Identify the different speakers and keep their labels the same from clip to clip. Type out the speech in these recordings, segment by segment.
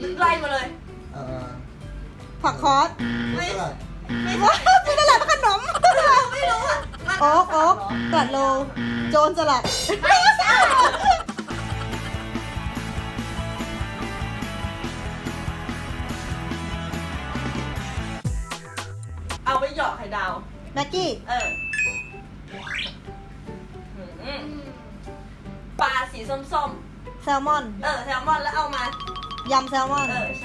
Speaker 1: ไล่มาเลย
Speaker 2: ผักคอส
Speaker 1: ไม่
Speaker 3: สลัด
Speaker 1: ไม่
Speaker 2: ว้าวเป็นตลาดขนม
Speaker 1: ไม่รู้อ่ะ
Speaker 2: โอ๊กตลาดโลโจรสลัด
Speaker 1: ไม่ใช่เอาไว้หยอกไข่ดาว
Speaker 2: แม็กกี้
Speaker 1: อืมปลาสีส้ม
Speaker 2: แซลมอน
Speaker 1: ๆแซลมอนแล้วเอามาย
Speaker 2: ำแซลมอน
Speaker 1: ใช่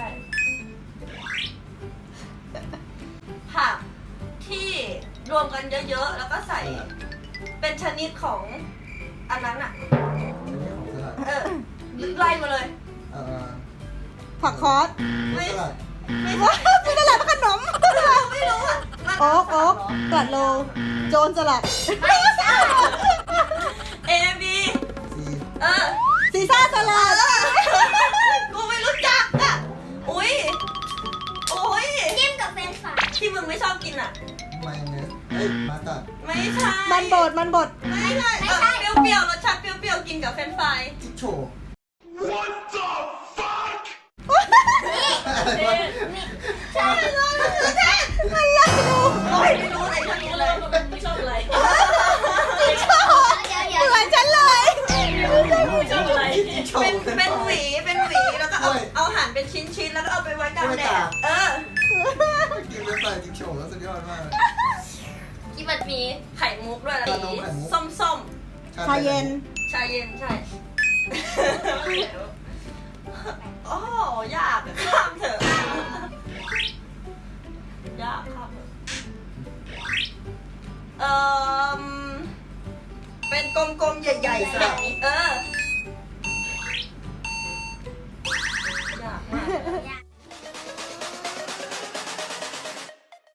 Speaker 1: ผักที่รวมกันเยอะๆ แล้วก็ใส่ เป็นชนิดของอันนั้นอ่ะ
Speaker 3: อันนี้ของสลัด
Speaker 1: ไล่มาเลย
Speaker 2: ผักคอส
Speaker 1: ไม่
Speaker 3: สลัด
Speaker 1: ไม่
Speaker 2: ว้าวเป็นตลาดขนม
Speaker 1: ไม่รู้อ่ะ
Speaker 2: โอ๊กตลาดโลโจรสลัด
Speaker 1: ไม่ใช่ A B
Speaker 3: ซี
Speaker 2: ซีซ่าสลัด
Speaker 1: กูไม่รู้จักอ่ะ อุ้ย
Speaker 4: จิ้มกับเฟรนช์ฟราย
Speaker 1: ที่มึงไม่ชอบกินอ่ะ
Speaker 3: มายองเนสมาตัด
Speaker 1: ไม่ใช่
Speaker 2: มันบด
Speaker 1: ไม่ใช่เปรี้ยวๆรสชาติเปรี้ยวๆกินกับเฟรนช์ฟราย
Speaker 3: จิ๊กโชว์
Speaker 4: ใช่เลย
Speaker 1: โอ้ยไม่รู้อะไรทั้งนี้เลย
Speaker 5: ไม่ชอบอะไร
Speaker 4: เดี๋ยว
Speaker 2: เหมือนฉันเลย
Speaker 5: ไม่ชอบอะไร
Speaker 3: จิ๊กโชว์
Speaker 1: เป็นหวีแล้วก็เอาหั่นเป็นชิ้นๆแล้วก็เอาไปไว้กลางแดด
Speaker 3: กินไปใส่จิ๊กโชว์แล้วสุดยอดมาก
Speaker 1: ที่มันมีไข่มุกด้วยอะไรอย่างงี้ส้ม
Speaker 2: ชาเย็น
Speaker 1: ๆชาเย็นใช่ โอ้ยากอะข้ามเถอะยากข้ามเถอะเป็นกลมๆใหญ่ๆแบบนี้